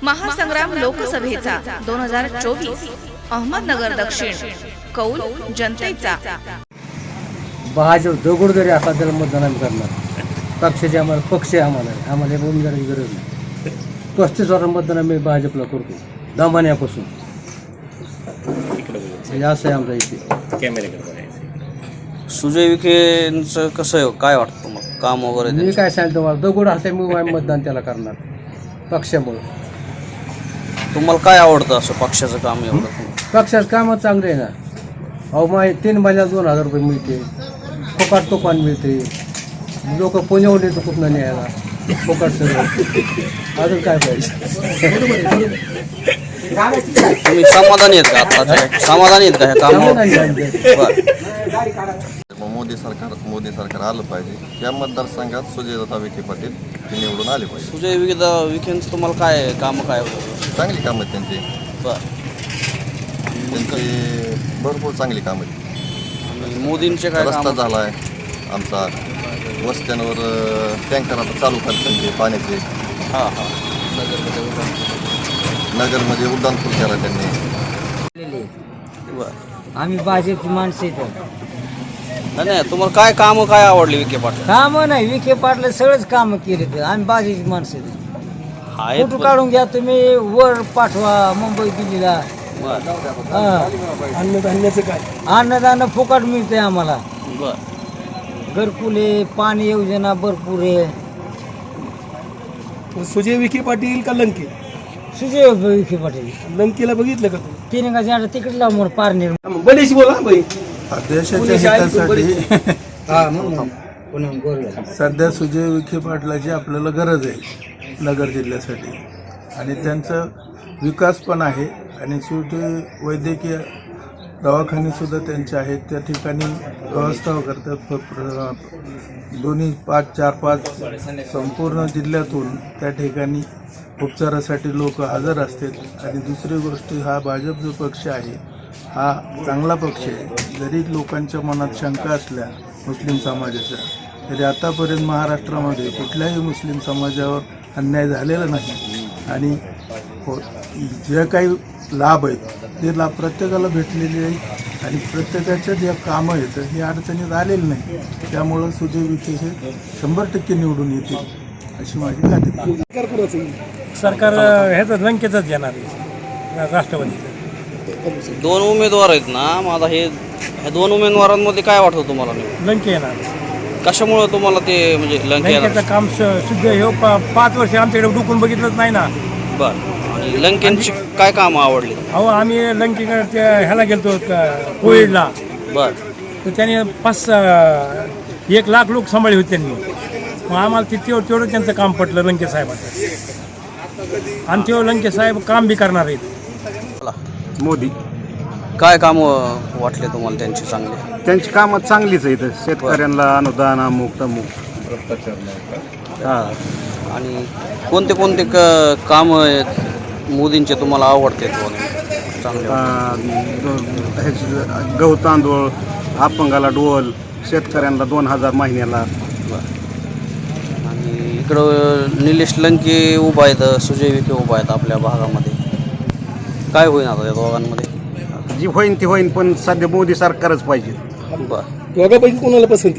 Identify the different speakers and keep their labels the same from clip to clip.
Speaker 1: महासंग्राम लोकसभेचा 2024 अहमदनगर दक्षिण कौल जनतेचा।
Speaker 2: भाजप दगड जरी असला त्याला मतदान आम्ही करणार। पक्षाचे आम्हाला पक्ष आहे, आम्हाला उमेदवाराची गरज नाही। 35 वर्ष मतदान आम्ही भाजपला करतो दमान्यापासून। असं आहे आमच्या इथे।
Speaker 3: सुजय विखेंचं कसं आहे, काय वाटतं मग काम वगैरे?
Speaker 2: मी काय सांगतो, मला दगड असल्यामुळे आम्ही मतदान त्याला करणार पक्षामुळे।
Speaker 3: तुम्हाला काय आवडतं असं पक्षाचं काम एवढं?
Speaker 2: पक्षाचं कामच चांगलं आहे ना। अहो मग 3 महिन्याला 2000 रुपये मिळते, फुकट तुफान मिळते, लोक पुण्यावर येतो कुठनं न्यायला फुकट सगळं। अजून काय पाहिजे?
Speaker 3: तुम्ही समाधानी आहेत का आताच्या? समाधानी आहेत का ह्या कामावर?
Speaker 4: मोदी सरकार आलं पाहिजे। या मतदारसंघात सुजयदादा विखे पाटील हे निवडून आले पाहिजे।
Speaker 3: सुजय विखेंचं तुम्हाला काय कामं काय होतं?
Speaker 4: चांगली कामं आहेत त्यांची, त्यांची भरपूर चांगली कामं आहेत।
Speaker 3: आणि मोदींचे काय
Speaker 4: रस्ता
Speaker 3: कामं?
Speaker 4: झाला आहे आमचा, वस्त्यांवर टँकर आता चालू करतात पाण्याचे।
Speaker 3: हां
Speaker 4: नगरमध्ये उड्डाणपूल केला त्यांनी।
Speaker 5: आम्ही भाजपची माणसं येतो।
Speaker 3: नाही, तुम्हाला काय कामं काय आवडली विखे पाटील?
Speaker 5: कामं नाही, विखे पाटलं सगळंच कामं केले तर आम्ही भाजपची माणसं येतो। फोटो काढून घ्या तुम्ही, वर पाठवा मुंबई दिल्लीला।
Speaker 2: अन्नधान्याचं काय?
Speaker 5: अन्नदान फुकट मिळतंय आम्हाला।
Speaker 3: बरं,
Speaker 5: घरकुल आहे, पाणी योजना भरपूर आहे।
Speaker 2: सुजय विखे पाटील का लंके?
Speaker 5: सुजय विखे पाटील।
Speaker 2: लंकेला बघितलं का तू?
Speaker 5: तिने का तिकीट लाव म्हणून पारनेर
Speaker 2: बरेच बोला बाई।
Speaker 6: देशाच्या हितासाठी सध्या सुजय विखे पाटलाची आपल्याला गरज आहे नगर जिल्ह्यासाठी, आणि त्यांचा विकास पण आहे। आणि शेवटी वैद्यकीय दवाखानेसुद्धा त्यांचे आहेत, त्या ठिकाणी व्यवस्था करतात। दोन्ही 5, 4, 5 संपूर्ण जिल्ह्यातून त्या ठिकाणी उपचारासाठी लोक हजर असतात। आणि दुसरी गोष्ट, हा भाजप जो पक्ष आहे हा चांगला पक्ष आहे। जरी लोकांच्या मनात शंका असल्या मुस्लिम समाजाच्या, तरी आतापर्यंत महाराष्ट्रामध्ये कुठल्याही मुस्लिम समाजावर अन्याय झालेला नाही। आणि जे काही लाभ आहेत ते लाभ प्रत्येकाला भेटलेले आहेत, आणि प्रत्येकाच्या ज्या कामं आहेत हे अडचणीत आलेलं नाही। त्यामुळं सुजय विखे हे 100% निवडून येतील अशी माझी खात्री।
Speaker 2: सरकार ह्याच लंकेचंच येणार आहे, राष्ट्रवादीचं।
Speaker 3: 2 उमेदवार आहेत ना, माझा ह्या 2 उमेदवारांमध्ये काय वाटतं तुम्हाला?
Speaker 2: लंके येणार।
Speaker 3: कशामुळं तुम्हाला ते म्हणजे
Speaker 2: लंकेचं काम शुद्ध हे 5 वर्ष आमच्याकडे डुकून बघितलंच नाही ना।
Speaker 3: बरं, आणि लंकेंची काय कामं आवडली?
Speaker 2: अहो आम्ही लंकेकडे ह्याला गेलतो कोविडला।
Speaker 3: बरं,
Speaker 2: तर त्याने 1 लाख लोक सांभाळले होते त्यांनी। मग आम्हाला तेवढं त्यांचं काम पटलं लंके साहेबांचं, आणि तेव्हा लंके साहेब काम बी करणार आहेत।
Speaker 7: मोदी
Speaker 3: काय कामं वाटले तुम्हाला त्यांची चांगली?
Speaker 7: त्यांची कामं चांगलीच आहेत। शेतकऱ्यांना अनुदान अमुक तमुक।
Speaker 3: आणि कोणते कामं आहेत मोदींचे तुम्हाला आवडते चांगले?
Speaker 7: गहू तांदूळ, अपंगाला डोल, शेतकऱ्यांना 2000 महिन्याला।
Speaker 3: आणि इकडं निलेश लंके उभा आहेत, सुजय विखे उभा आहेत आपल्या भागामध्ये। काय होईल आता या दोघांमध्ये?
Speaker 7: जी होईन ती होईन, पण सध्या मोदी सरकारच पाहिजे।
Speaker 3: बरं,
Speaker 2: दोघांपैकी कोणाला पसंती?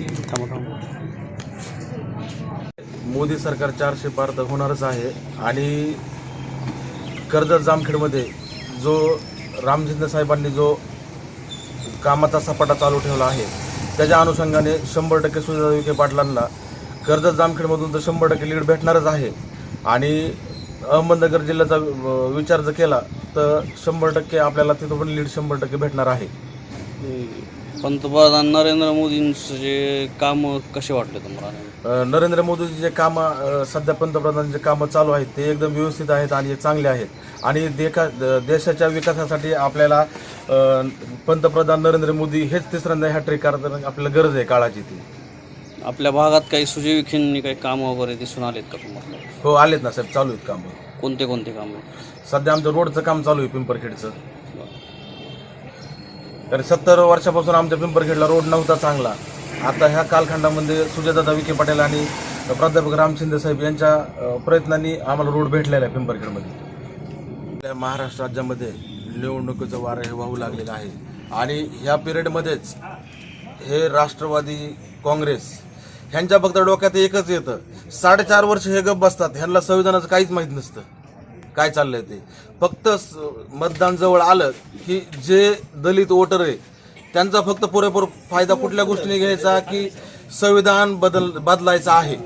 Speaker 8: मोदी सरकार 400 पार तर होणारच आहे। आणि कर्जत जामखेडमध्ये जो रामजिंदे साहेबांनी जो कामाचा सपाटा चालू ठेवला आहे, त्याच्या अनुषंगाने 100% सुजय विखे पाटलांना कर्जत जामखेडमधून तर 100% लीड भेटणारच आहे। आणि अहमदनगर जिल्ह्याचा विचार जर केला तर 100% आपल्याला तिथं पण लीड 100% भेटणार आहे।
Speaker 3: पंतप्रधान नरेंद्र मोदींचे जे कामं कसे वाटले तुम्हाला?
Speaker 8: नरेंद्र मोदीचे जे कामं सध्या पंतप्रधानांचे कामं चालू आहेत ते एकदम व्यवस्थित आहेत आणि चांगले आहेत। आणि देशाच्या विकासासाठी आपल्याला पंतप्रधान नरेंद्र मोदी हेच तिसऱ्यांदा हॅट्रिक करताना आपल्याला गरज आहे काळाची ती।
Speaker 3: आपल्या भागात काही सुजय विखेंनी काही कामं वगैरे दिसून आलेत का तुम्हाला?
Speaker 8: हो आलेत ना साहेब, चालू आहेत कामं।
Speaker 3: कोणते कामं?
Speaker 8: सध्या आमचं रोडचं काम चालू आहे पिंपरखेडचं। तर 70 वर्षापासून आमच्या पिंपरखेडला रोड नव्हता चांगला। आता ह्या कालखंडामध्ये सुजयदादा विखे पाटील आणि प्राध्यापक राम शिंदे साहेब यांच्या प्रयत्नांनी आम्हाला रोड भेटलेला आहे पिंपरखेडमध्ये। आपल्या महाराष्ट्र राज्यामध्ये निवडणुकीचं वारं हे वाहू लागलेलं आहे आणि ह्या पिरियडमध्येच हे राष्ट्रवादी काँग्रेस ह्यांच्या फक्त डोक्यात एकच येतं, 4.5 वर्ष हे गप बसतात, ह्यांना संविधानाचं काहीच माहीत नसतं काय चाललंय ते. फक्त मतदान जवळ आलं की जे दलित वोटर आहे त्यांचा फक्त पुरेपूर फायदा कुठल्या गोष्टीने घ्यायचा की संविधान बदलायचं आहे,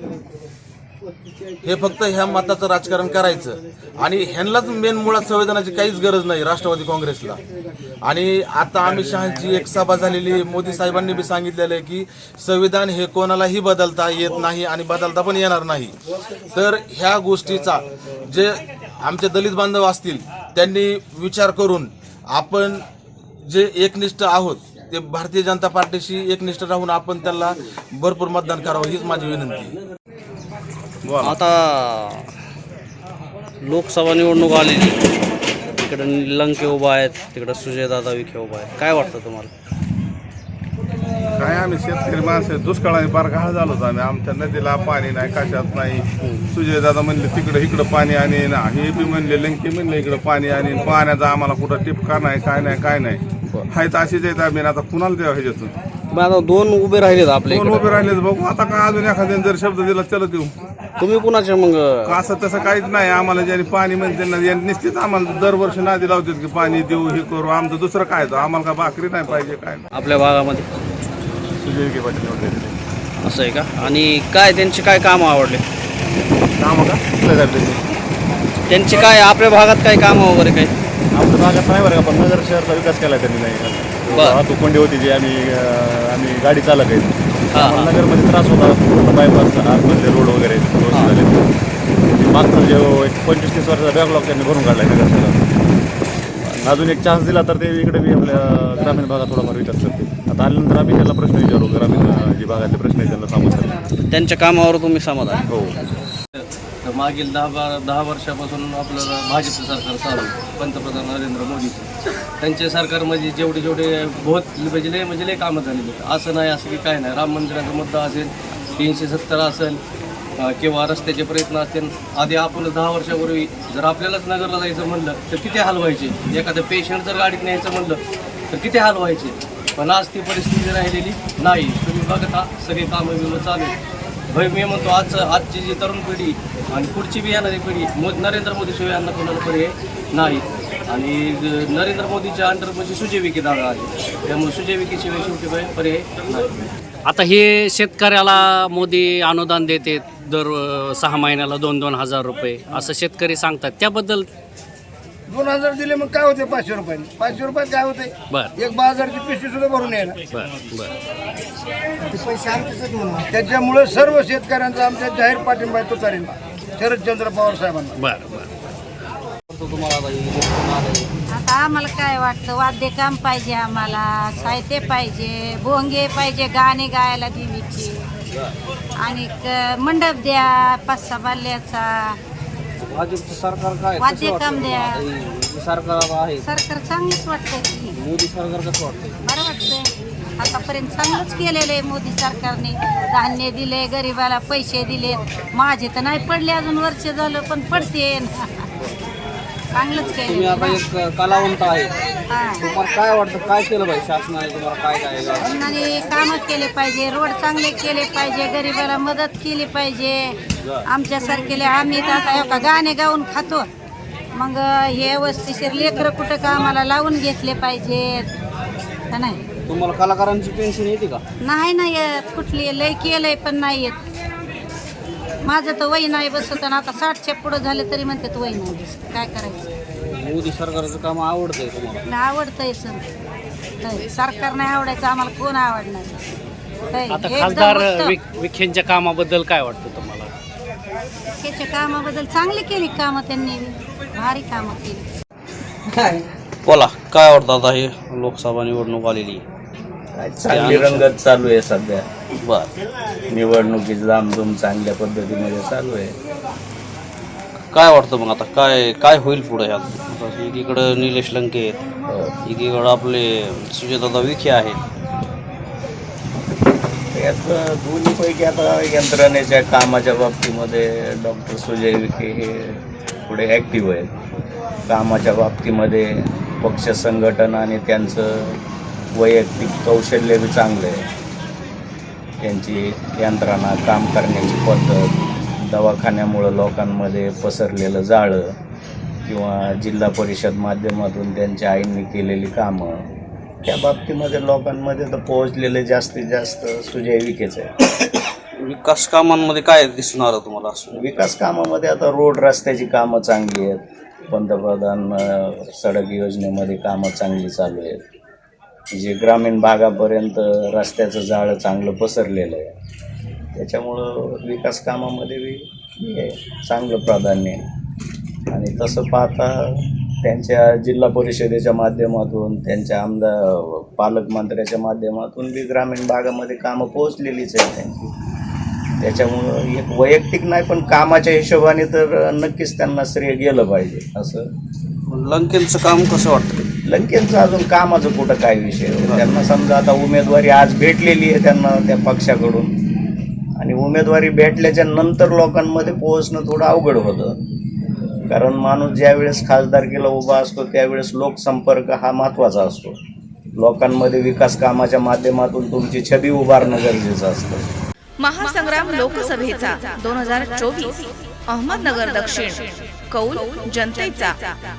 Speaker 8: हे फक्त ह्या मताचं राजकारण करायचं. आणि ह्यांनाच मेन मुळात संविधानाची काहीच गरज नाही राष्ट्रवादी काँग्रेसला. आणि आता अमित शहाची एक सभा झालेली, मोदी साहेबांनी बी सांगितलेलं आहे की संविधान हे कोणालाही बदलता येत नाही आणि बदलता पण येणार नाही. तर ह्या गोष्टीचा जे आमचे दलित बांधव असतील त्यांनी विचार करून आपण जे एकनिष्ठ आहोत ते भारतीय जनता पार्टीशी एकनिष्ठ राहून आपण त्याला भरपूर मतदान करावं हीच माझी विनंती.
Speaker 3: आता लोकसभा निवडणूक आलेली, तिकडे लंके उभा आहेत, तिकडे सुजयदादा विखे उभा आहेत. काय वाटतं तुम्हाला?
Speaker 6: काय आम्ही शेतकरी माणसं दुष्काळाने फार घाळ झालो होतो आम्ही. आमच्या नदीला पाणी नाही, कशात नाही. सुजयदादा म्हणले तिकडं इकडं पाणी आणि हे बी म्हणले लंके म्हणले इकडं पाणी आणि पाण्याचा आम्हाला कुठं टिपका नाही, काय नाही. हाय तर अशीच आहेत आम्ही. आता कुणाला द्यावं ह्याच्यातून?
Speaker 3: आता 2 उभे राहिलेत आपले,
Speaker 6: 2 उभे राहिलेत. बघू आता काय अजून एखाद्याने जर शब्द दिला त्याला देऊ.
Speaker 3: तुम्ही कुणाचे मग?
Speaker 6: असं तसं काहीच नाही आम्हाला. ज्यांनी पाणी म्हणते ना निश्चित आम्हाला दरवर्षी नादी लावतात की पाणी देऊ, हे करू. आमचं दुसरं काय तर आम्हाला काय भाकरी नाही पाहिजे काय नाही.
Speaker 3: आपल्या भागामध्ये
Speaker 6: सुजय विखे पाटील निवडले.
Speaker 3: असं आहे का? आणि काय त्यांचे काय कामं आवडले?
Speaker 6: कामं का
Speaker 3: त्यांचे काय आपल्या भागात काय कामं वगैरे काही?
Speaker 9: आमच्या भागात नाही बरं का, पण नगर शहरचा विकास केला त्यांनी नाही. वाहतूक कोंडी होती जी आम्ही गाडी चालक आहेत, नगरमध्ये त्रास होता. बायपास आतमधले रोड वगैरे झाले. मागचा जो एक 25-30 वर्षाचा बॅकलॉग त्यांनी भरून काढला आहे नगर शहरात. अजून एक चान्स दिला तर ते इकडे बी आपल्या ग्रामीण भागात थोडाफार विकास करते. आता आल्यानंतर आम्ही त्याला प्रश्न विचारू, ग्रामीण जे भागातले प्रश्न आहेत त्यांना समजतात.
Speaker 3: त्यांच्या कामावर तुम्ही समाधान?
Speaker 6: हो.
Speaker 10: मागील 10 वर्षापासून आपल्याला भाजपचं सरकार चालू आहे, पंतप्रधान नरेंद्र मोदीचं. त्यांच्या सरकारमध्ये जेवढे म्हणजे लय कामं झालेली. असं नाही असं की काय नाही. राम मंदिराचा मुद्दा असेल, 370 असेल किंवा रस्त्याचे प्रयत्न असतील. आधी आपण 10 वर्षापूर्वी जर आपल्यालाच नगरला जायचं म्हणलं तर किती हाल व्हायचे. एखादं पेशंट जर गाडीत न्यायचं म्हणलं तर किती हाल व्हायचे. पण आज ती परिस्थिती राहिलेली नाही. तुम्ही बघता सगळे कामं चालू आहे. भाई मी म्हणतो आजची जी तरुण पिढी आणि पुढची बी येणारी पिढी नरेंद्र मोदीशिवाय यांना कोणाला पर्याय नाही. आणि नरेंद्र मोदीच्या अंडर म्हणजे सुजय विखे दादा आहे, त्यामुळे सुजय विखेशिवाय शेवटी पर्याय नाही.
Speaker 11: आता हे शेतकऱ्याला मोदी अनुदान देते दर 6 महिन्याला 2-2 हजार रुपये असं शेतकरी सांगतात, त्याबद्दल?
Speaker 2: 2000 दिले मग काय होते? 500 रुपयाने. 500 रुपयात काय होते?
Speaker 11: बरं.
Speaker 2: एक बाजारची पिशवी सुद्धा भरून यायला. त्याच्यामुळे सर्व शेतकऱ्यांचा आमच्या जाहीर पाठिंबा आहे तुतारीला, शरदचंद्र पवार साहेबांना.
Speaker 11: बरं.
Speaker 12: आता आम्हाला काय वाटतं, वाद्यकाम पाहिजे, आम्हाला साहित्य पाहिजे, भोंगे पाहिजे गाणे गायला देवीची, आणि मंडप द्या 5-6 बाल्याचा.
Speaker 3: भाजपचं सरकार काय
Speaker 12: वाद्यकाम द्या.
Speaker 3: सरकार आहे,
Speaker 12: सरकार चांगलंच वाटतंय की.
Speaker 3: मोदी सरकार कसं वाटतं?
Speaker 12: बरं वाटतंय. आतापर्यंत चांगलंच केलेलं आहे मोदी सरकारने. धान्य दिले, गरिबाला पैसे दिले. माझे तर नाही पडले अजून, वर्ष झालं, पण पडते. चांगलंच
Speaker 3: तुम्ही आता
Speaker 12: केलं.
Speaker 3: एक कलावंत आहे, तुम्हाला काय वाटतं काय केलं पाहिजे शासनाने? तुम्हाला काय
Speaker 12: शासनाने कामं केले पाहिजे, रोड चांगले केले पाहिजे, गरिबाला मदत केली पाहिजे. आमच्यासारखेले आम्ही तर आता एका गाणे गाऊन खातो, मग हे वस्तीशीर लेकरं कुठं का आम्हाला लावून घेतले पाहिजेत का नाही?
Speaker 3: तुम्हाला कलाकारांची पेन्शन येते का?
Speaker 12: नाही येत. कुठली लय केलंय पण नाही येत. माझं तर वय नाही बसत, आणि आता 60च्या पुढं झालं तरी म्हणतात वय नाही बसत. काय करायचं?
Speaker 3: मोदी सरकारचं काम आवडतंय तुम्हाला?
Speaker 12: आवडतंय सर. सरकार नाही आवडायचं, आम्हाला कोण आवडणार?
Speaker 11: आता खासदार विखेंच्या कामाबद्दल काय वाटतं तुम्हाला?
Speaker 12: विखेच्या कामाबद्दल चांगली केली कामं त्यांनी, भारी कामं केली.
Speaker 3: बोला, काय वाटतं आता हे लोकसभा निवडणूक आलेली?
Speaker 10: चांगली रंगत चालू आहे सध्या.
Speaker 3: बर.
Speaker 10: निवडणुकीची धामधूम चांगल्या पद्धतीमध्ये चालू आहे.
Speaker 3: काय वाटतं मग आता काय होईल पुढे? ह्यात एकीकडं निलेश लंके आहेत, एकीकडं आपले सुजयदादा विखे आहेत.
Speaker 10: यात दोन्हीपैकी आता यंत्रणेच्या कामाच्या बाबतीमध्ये डॉक्टर सुजय विखे हे पुढे ॲक्टिव्ह आहेत.
Speaker 7: कामाच्या बाबतीमध्ये पक्ष संघटन आणि त्यांचं वैयक्तिक कौशल्य बी चांगलं आहे. त्यांची यंत्रणा, काम करण्याची पद्धत, दवाखान्यामुळं लोकांमध्ये पसरलेलं जाळं किंवा जिल्हा परिषद माध्यमातून त्यांच्या आईंनी केलेली कामं, त्या बाबतीमध्ये लोकांमध्ये तर पोहोचलेले जास्तीत जास्त सुजय विखेच आहे.
Speaker 3: विकास कामांमध्ये काय दिसून आलं तुम्हाला असं?
Speaker 7: विकास कामामध्ये आता रोड रस्त्याची कामं चांगली आहेत. पंतप्रधान सडक योजनेमध्ये कामं चांगली चालू आहेत. जे ग्रामीण भागापर्यंत रस्त्याचं जाळं चांगलं पसरलेलं आहे. त्याच्यामुळं विकास कामामध्ये बी चांगलं प्राधान्य आहे. आणि तसं पाहता त्यांच्या जिल्हा परिषदेच्या माध्यमातून, त्यांच्या आमदार पालकमंत्र्याच्या माध्यमातून बी ग्रामीण भागामध्ये कामं पोहोचलेलीच आहेत त्यांची. त्याच्यामुळं एक वैयक्तिक नाही पण कामाच्या हिशोबाने तर नक्कीच त्यांना श्रेय गेलं पाहिजे. असं
Speaker 3: लंकेंचं काम कसं वाटतं?
Speaker 7: लंकेंचं अजून कामाचं कुठं काय विषय, त्यांना समजा आता उमेदवारी आज भेटलेली आहे त्यांना त्या पक्षाकडून, आणि उमेदवारी भेटल्याच्या नंतर लोकांमध्ये पोहोचणं थोडं अवघड होतं. कारण माणूस ज्यावेळेस खासदारकीला उभा असतो त्यावेळेस लोकसंपर्क हा महत्त्वाचा असतो. लोकांमध्ये विकास कामाच्या माध्यमातून तुमची छबी उभारणं गरजेचं असतं.
Speaker 1: महासंग्राम लोकसभेचा 2024 अहमदनगर दक्षिण कौल जनतेचा.